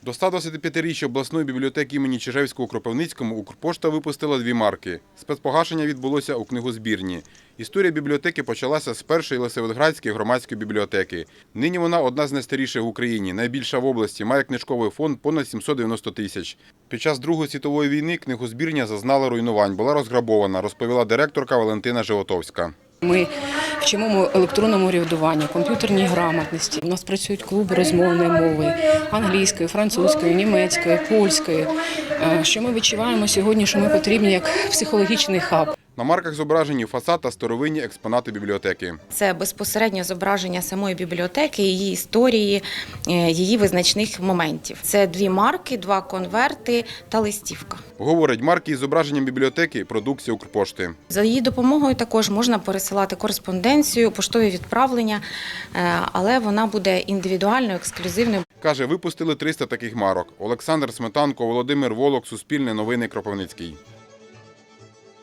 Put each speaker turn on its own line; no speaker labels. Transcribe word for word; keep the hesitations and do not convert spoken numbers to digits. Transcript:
До ста двадцятип'ятиріччя обласної бібліотеки імені Чижевського у Кропивницькому Укрпошта випустила дві марки. Спецпогашення відбулося у книгозбірні. Історія бібліотеки почалася з першої Лисаветградської громадської бібліотеки. Нині вона одна з найстаріших в Україні, найбільша в області, має книжковий фонд понад сімсот дев'яносто тисяч. Під час Другої світової війни книгозбірня зазнала руйнувань, була розграбована, розповіла директорка Валентина Животовська.
Ми вчимо електронному урядуванню, комп'ютерній грамотності. У нас працюють клуби розмовної мови – англійської, французької, німецької, польської. Що ми відчуваємо сьогодні, що ми потрібні як психологічний хаб.
На марках зображені фасад та старовинні експонати бібліотеки.
Це безпосередньо зображення самої бібліотеки, її історії, її визначних моментів. Це дві марки, два конверти та листівка.
Говорить, марки із зображенням бібліотеки – продукція Укрпошти.
За її допомогою також можна пересилати кореспонденцію, поштові відправлення, але вона буде індивідуальною, ексклюзивною.
Каже, випустили триста таких марок. Олександр Сметанко, Володимир Волок, Суспільне новини, Кропивницький.